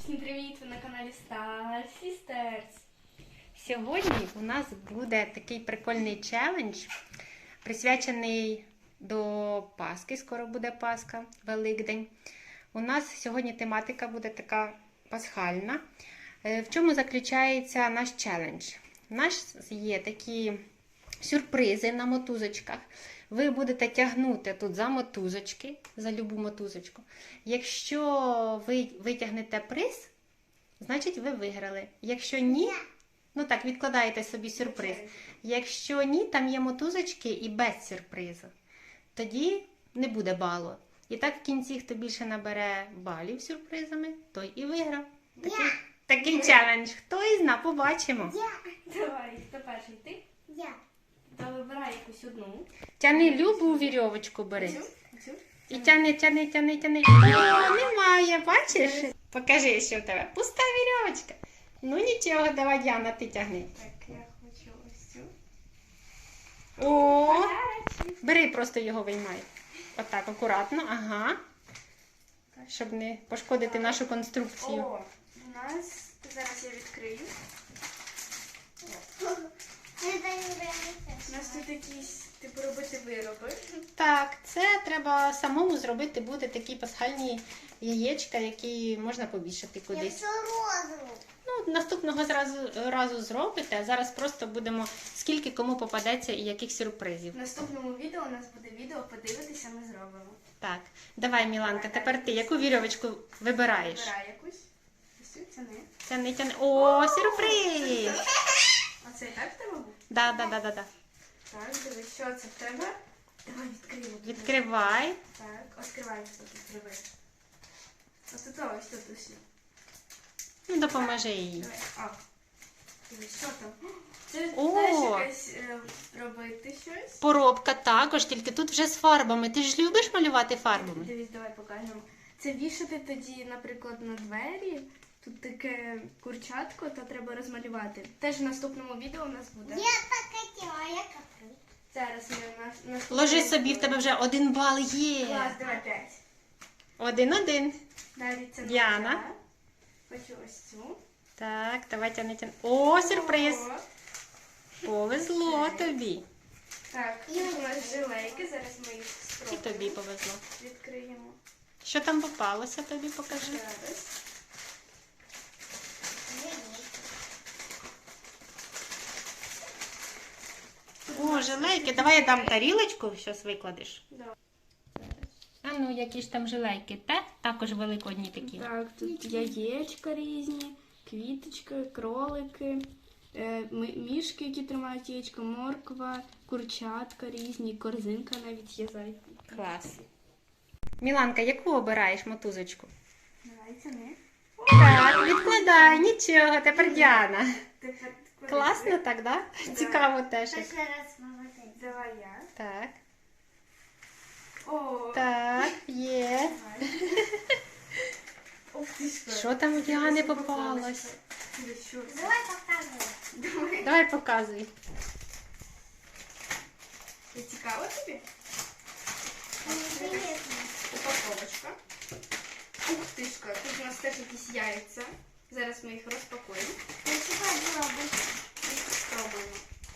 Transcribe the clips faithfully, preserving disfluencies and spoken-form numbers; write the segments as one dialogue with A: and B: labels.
A: Всім привіт! Ви на каналі Star Sisters.
B: Сьогодні у нас буде такий прикольний челендж, присвячений до Пасхи. Скоро буде Пасха, Великдень. У нас сьогодні тематика буде така пасхальна. В чому заключається наш челендж? У нас є такі сюрпризи на мотузочках. Ви будете тягнути тут за мотузочки, за любу мотузочку. Якщо ви витягнете приз, значить ви виграли. Якщо ні, ну так, відкладаєте собі сюрприз. Якщо ні, там є мотузочки і без сюрпризу. Тоді не буде балу. І так в кінці, хто більше набере балів сюрпризами, той і виграв. Такий, такий челендж. Хто із нас, побачимо.
A: Давай, хто перший? Ти?
C: Я.
A: Та вибирай якусь одну.
B: Тяни любу вірьовочку бери.
A: Цю? Цю?
B: І тяни, тяни, тяни, тяни. О, немає, бачиш? Покажи, що в тебе. Пуста вірьовочка. Ну нічого, давай, Діана, ти тягни.
A: Так, я хочу ось цю.
B: О,
A: Подарочок.
B: бери, просто його виймай. Отак, акуратно, ага. Щоб не пошкодити нашу конструкцію.
A: О, у нас, зараз я відкрию. У нас тут якісь, типу, робити вироби.
B: Так, це треба самому зробити, буде такі пасхальні яєчка, які можна повішати
C: Я
B: кудись.
C: все розову.
B: Ну, наступного зразу, разу зробите, а зараз просто будемо, скільки кому попадеться і яких сюрпризів.
A: В наступному відео у нас буде відео, подивитися, ми зробимо.
B: Так, давай, Міланка, тепер ти яку вірьовочку вибираєш?
A: Вибирай якусь. Ось цю, це не.
B: Тяни, тяни. О, сюрприз!
A: А це і так в тебе був?
B: Да, да, да, да, да.
A: Так, дивись, що це в тебе? Давай відкриємо.
B: Відкривай.
A: Так, відкривай тут, відкривай. Ось тут, ось тут усі.
B: Ну, допоможи їй.
A: Давай, а. Дивись, що там? Це
B: О!
A: теж якась е, робити щось.
B: Поробка також, тільки тут вже з фарбами. Ти ж любиш малювати фарбами?
A: Дивись, давай покажемо. Це вішати тоді, наприклад, на двері. Тут таке курчатко, то треба розмалювати. Теж в наступному відео у нас буде.
C: Я так хотіла, я каплю.
A: Зараз ми на, на
B: Ложи собі, в тебе вже один бал є.
A: Клас, давай п'ять.
B: Один-один.
A: Далі це
B: Діана.
A: моя. Хочу ось цю.
B: Так, давай тяни, тяни. О, сюрприз.
A: О,
B: Повезло тобі.
A: так, тут у нас жилейки, зараз ми їх
B: І
A: спробуємо.
B: тобі повезло.
A: Відкриємо.
B: Що там попалося, тобі покажи.
A: Зараз.
B: О, жилейки. Давай я дам тарілочку, щось викладеш.
A: Да.
B: А ну, які ж там жилейки? Те? Також великодні такі.
A: Так, тут яєчка різні, квіточки, кролики, е, ми- мішки, які тримають яєчко, морква, курчатка різні, корзинка навіть є зайка.
B: Клас. Міланка, яку обираєш мотузочку?
A: Давайте не.
B: Так, відкладай, нічого, тепер Діана.
A: Тепер
B: Класно так, да? Цікаво теж. як.
C: Ще раз молодець.
A: Давай я.
B: Так,
A: О,
B: так, є.
A: давай. Ух ти що.
B: Що там у Діани попалось?
A: Це що? це?
C: Давай показуй.
A: Давай.
B: Давай показуй.
A: Це цікаво тобі?
C: Мені приємно.
A: Упаковочка. Ух ти ж, тут у нас теж якісь яйця. Зараз ми їх розпакуємо
C: Я чекаю зробити.
A: і спробуємо.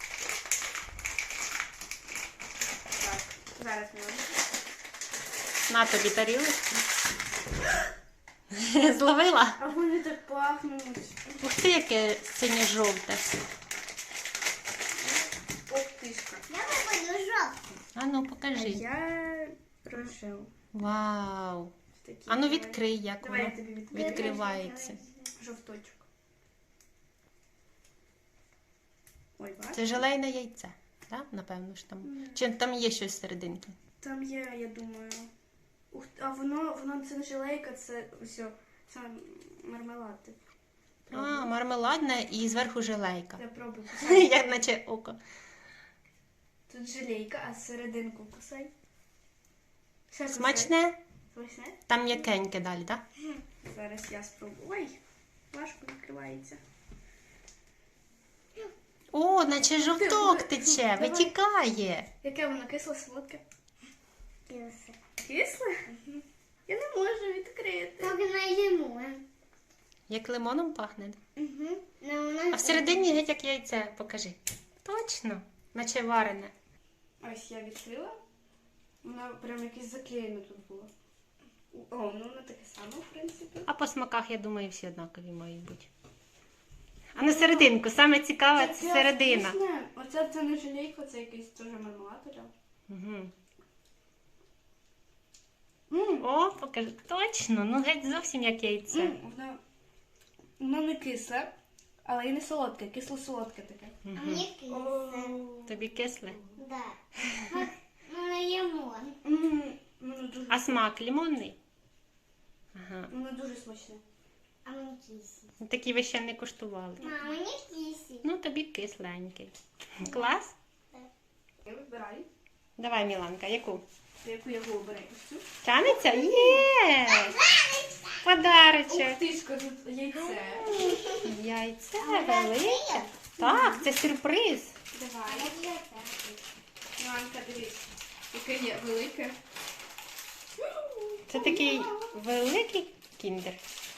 A: Так, зараз ми робимо.
B: На тобі тарілочку. Зловила?
A: А вони так пахнуть.
B: Ух ти, яке синє-жовте.
A: Ух ти ж.
C: Я виберу жовтий.
B: А ну,
A: А
B: покажи.
A: я рожеву.
B: Вау.
A: Такі,
B: А ну
A: давай.
B: відкрий, як
A: Давай я
B: воно
A: тобі відкрию.
B: відкривається.
A: Жовточок. Ой, бачиш?
B: Це желейне яйце, так? Напевно ж там. Чи там є щось всерединки?
A: Там є, я думаю. Ух, а воно, воно це не жилейка, це все, це мармелад. типу.
B: А,
A: Пробуй.
B: мармеладне і зверху желейка.
A: Я пробую.
B: Як наче око.
A: Тут жилейка, а серединку кусай. Ще кусай.
B: Смачне?
A: Смачне?
B: Там м'якеньке далі, так?
A: Зараз я спробую. Ой, важко відкривається.
B: О, наче жовток тече,
A: Давай.
B: витікає.
A: Яке воно кисло, солодке?
C: Кілоси.
A: Кисле? Я не можу відкрити.
C: Так не їмо.
B: Як лимоном пахне.
C: Угу. Ну, у
B: А
C: нас
B: всередині геть як яйце. Покажи. Точно. Наче варене.
A: Ось я відкрила. Воно прям якесь заклеєне тут було. О, ну воно таке саме, в принципі.
B: А по смаках, я думаю, всі однакові мають бути. А на серединку. Саме цікаве це
A: Таке
B: середина.
A: вкусне. Оце це не желейка, це якийсь теж мармелад.
B: Угу.
A: Ммм,
B: О, покажи. Точно. Ну геть зовсім як яйце.
A: воно, воно не кисле, але і не солодке, кисло-солодке таке.
C: А
B: Угу.
C: мені кисле.
B: Тобі кисле?
C: Да. Ну, на лимон.
A: Ммм, воно дуже,
B: А смак лимонний? Ага.
A: воно дуже смачне.
C: А мені кисле.
B: Ну, такі ви ще не куштували.
C: А мені кисле.
B: Ну, тобі кисленький. Клас?
A: Я вибираю.
B: Давай, Міланка, яку?
A: Яку я обираю? Ось цю?
B: Тянеться? Є! Подарочок.
A: Ух ти ж, тут яйце.
B: Яйце велике. Так, це сюрприз.
A: Давай. Іванка, дивись, яке є велике.
B: Це такий великий кіндер.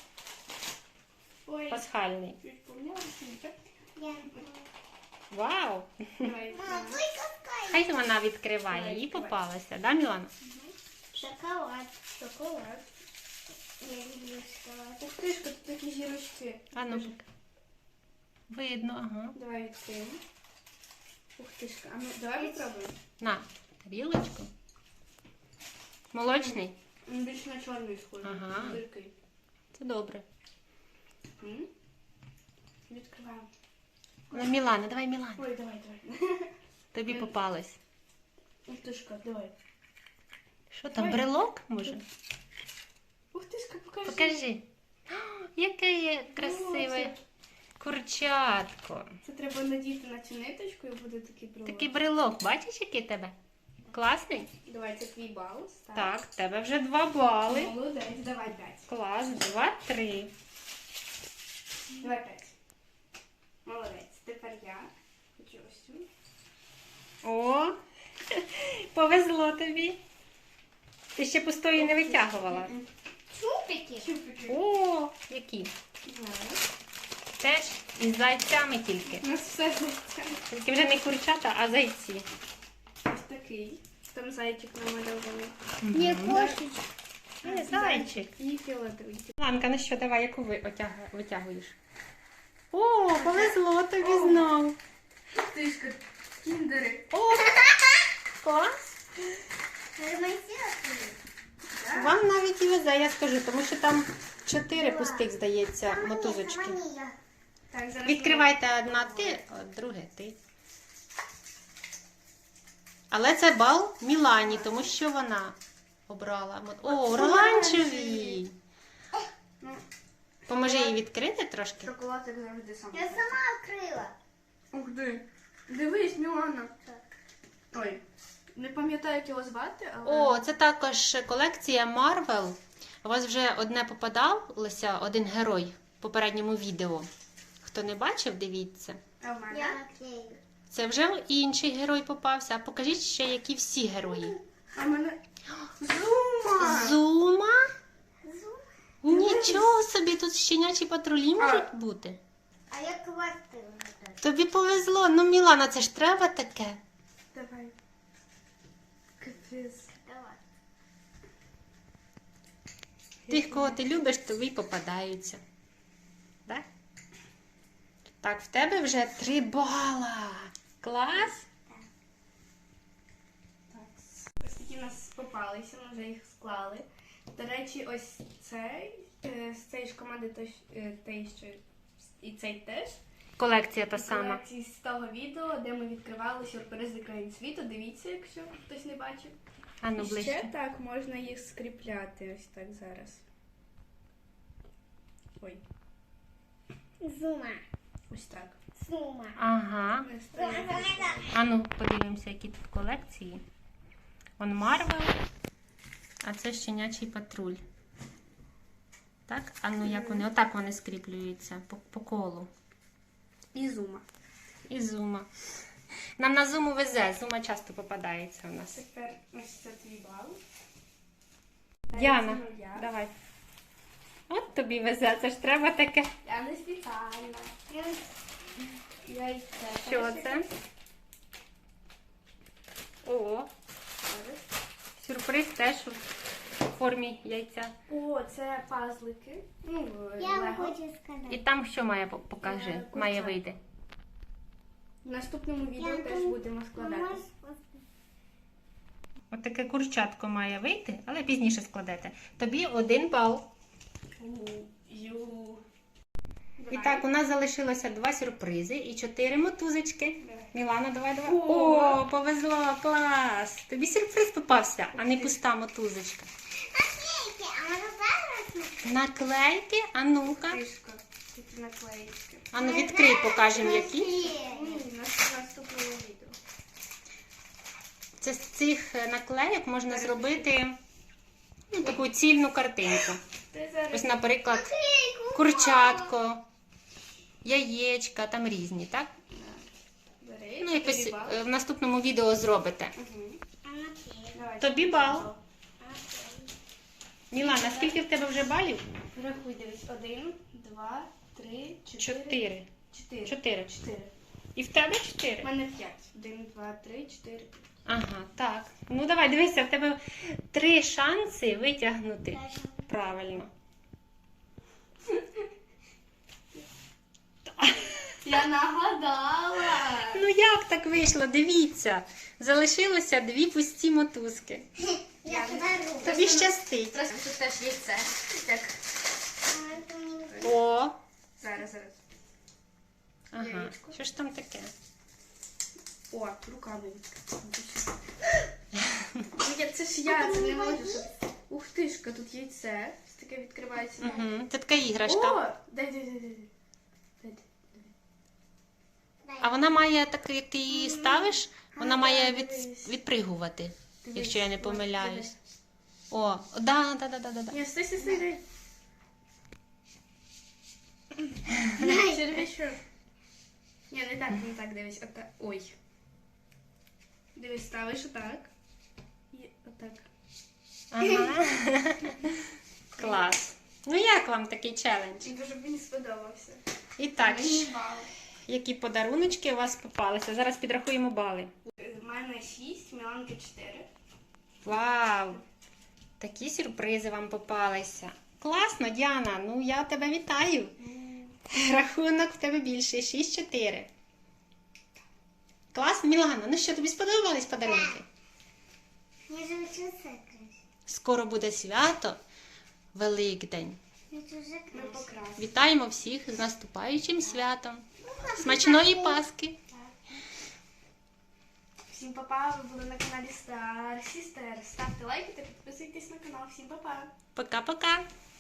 A: Ой,
B: Пасхальний.
A: чуть помнялася, так?
C: Я...
B: Вау!
A: Давай.
C: Мама, твой какая?
B: Хай вона відкриває,
A: Давай,
B: їй
A: відкривай.
B: попалася. Да, Мілана?
C: Шоколад.
A: Шоколад.
C: Я люблю шоколад.
A: Ух ти ж, тут такі зірочки.
B: А ну, поки. Видно, ага.
A: Давай відкриємо. Ух ти ж, а ну давай попробуємо.
B: На, тарілочку. Молочний?
A: Він більш на чорний схожий.
B: Ага.
A: Гіркий.
B: Це добре.
A: М? Відкриваємо.
B: Ну, Мілана, давай, Мілана.
A: Ой, давай, давай.
B: Тобі попалось.
A: Ух ти ж, давай.
B: Що там,
A: Давай.
B: брелок, може?
A: Ух ти ж, покажи.
B: Покажи. О, яке є красиве
A: це-
B: курчатко.
A: Це треба надіти на цю ниточку і буде такий брелок.
B: Такий брелок, бачиш, який тебе? Класний?
A: Давай, це твій бал. Став.
B: Так, в тебе вже два бали.
A: Молодець, давай п'ять.
B: Клас, два, три.
A: Давай п'ять. Молодець. Тепер я. Хочу ось цю.
B: О, повезло тобі. Ти ще пустої не витягувала.
A: М-м.
C: Чупики.
A: Чупики.
B: О, які?
A: Зараз.
B: Теж із зайцями тільки.
A: У нас все зайця.
B: Тільки вже не курчата, а зайці.
A: Ось такий. Там зайчик намальований.
C: Не кошечка.
B: Е, Зайчик.
A: І фіолетовий.
B: Ланка, ну що, давай, яку ви отяга- витягуєш? О, повезло тобі знову.
A: Тишка, кіндери.
B: О, клас.
C: Ремонтировали?
B: Вам навіть і везе, я скажу, тому що там чотири пустих, здається, мотузочки.
C: Саманія.
A: Так, зараз
B: Відкривайте одна ти, а друге ти. Але це бал Мілані, тому що вона обрала. мот- О, оранжеві.
A: Ну,
B: Поможи їй відкрити трошки.
A: шоколад, як завжди, сам.
C: Я сама відкрила.
A: Ух ти. Дивись, Мілана.
C: Так.
A: Ой, не пам'ятаю, як його звати, але...
B: О, це також колекція Marvel. У вас вже одне попадалося, один герой в попередньому відео. Хто не бачив, дивіться.
A: А в мене?
C: Я наклею.
B: Це вже інший герой попався. А покажіть ще, які всі герої.
A: А в мене... Зума!
B: Зума?
C: Зум.
B: Нічого собі, тут щенячі патрулі можуть бути.
C: А я квартиру.
B: Тобі повезло. Ну, Мілана, це ж треба таке.
A: Давай. Капець.
C: Давай.
B: Тих, кого ти любиш, тобі й попадаються. Так? Так, в тебе вже три бала. Клас?
A: Так. Ось такі у нас попалися, ми вже їх склали. До речі, ось цей, е, з цієї ж команди той, е, той, що і цей теж.
B: Колекція та сама.
A: Колекції з того відео, де ми відкривали сюрпризи країн світу. Дивіться, якщо хтось не бачив.
B: А ну
A: І ще
B: ближче.
A: так можна їх скріпляти. Ось так зараз. Ой,
C: Зума.
A: ось так.
C: Зума.
B: Ага.
A: Ми ставимо.
B: А ну подивимося, які тут колекції. Он Марвел, а це щенячий патруль. Так? А ну як вони? Отак вони скріплюються по, по колу.
A: І зума.
B: І зума. Нам на зуму везе, зума часто попадається у нас.
A: Тепер ось це твій бал.
B: Діана,
A: Це моя.
B: давай. От тобі везе, це ж треба таке.
A: Я не спеціально. Яйце.
B: Що це? О,
A: Зараз.
B: сюрприз теж у формі яйця.
A: О, це пазлики. Ну,
C: Я
A: Лего.
C: хочу
B: І
C: сказати.
B: там що має по- покажи,
A: Е, курча.
B: має вийти.
A: В наступному відео
C: Я
A: теж
C: думаю,
A: будемо складати.
C: Можеш
B: От таке курчатко має вийти, але пізніше складете. Тобі один бал.
A: Ю.
B: І так, у нас залишилося два сюрпризи і чотири мотузочки.
A: Давай.
B: Мілана, давай, давай.
A: О!
B: О, повезло, клас! Тобі сюрприз попався, а не пуста мотузочка.
C: наклейки, а може зараз?
B: Наклейки, а ну-ка.
A: Кришка. Такі наклеїчки.
B: А ну відкрий, покажемо які.
A: Ні, на наступному відео.
B: Це з цих е, наклейок можна зробити ну, таку цільну картинку.
A: Ти зараз
B: Ось, наприклад, курчатко, яєчка, там різні, так?
A: бери.
B: Ну, якось
A: тобі бал.
B: е, в наступному відео зробите.
A: Мгм.
C: А наклейки?
A: Давай.
B: Тобі бал. Мілана, скільки в тебе вже балів?
A: Рахуй, дивись. Один, два, три, чотири.
B: Чотири.
A: Чотири.
B: Чотири.
A: Чотири.
B: І в тебе
A: У
B: чотири?
A: мене п'ять. Один, два, три, чотири.
B: Ага, так. Ну давай, дивися, в тебе три шанси витягнути. Правильно.
A: Я нагадала.
B: Ну як так вийшло? Дивіться. Залишилося дві пусті мотузки.
C: Я подарую.
B: Тобі щастить.
A: Просто тут теж є це. Так.
C: А, то мені-
B: О,
A: Зараз, зараз.
B: ага.
A: Яєчко.
B: Що ж там таке?
A: О, руками відкрити. Ні, це ж я, це не можу. щоб- Ух тишка, тут яйце. Ось таке відкривається.
B: Угу. Це така іграшка.
A: О, дай, дай, дай, дай. дай. Дай, дай.
B: А вона має так, як ти її ставиш, вона
A: А,
B: має
A: так,
B: від,
A: дивись.
B: відпригувати,
A: Дивись,
B: якщо я не
A: ось,
B: помиляюсь.
A: дивись.
B: О, да, да, да, да, да, да.
A: Ні, стой, стой, стой, дай. Червячок. Ні, не так, не так, дивись, отак. Ой. Дивись, ставиш отак. І отак.
B: Ага. Клас. Ну як вам такий челендж?
A: Дуже мені сподобався.
B: І так,
A: Мені бал.
B: які подаруночки у вас попалися? Зараз підрахуємо бали.
A: У мене шість, Міланки чотири.
B: Вау! Такі сюрпризи вам попалися. Класно, Діана, ну я тебе вітаю. Рахунок в тебе більше, шість чотири. Клас, Мілана, ну що, тобі сподобались подарунки?
C: Я же хочу це краще.
B: Скоро буде свято, Великдень.
C: Я дуже
A: Ми
C: краще.
A: покрасили.
B: Вітаємо всіх з наступаючим святом. Смачної Пасхи!
A: Всім па-па, ви були на каналі Star Sister. Ставте лайки та підписуйтесь на канал. Всім па-па.
B: Пока-пока!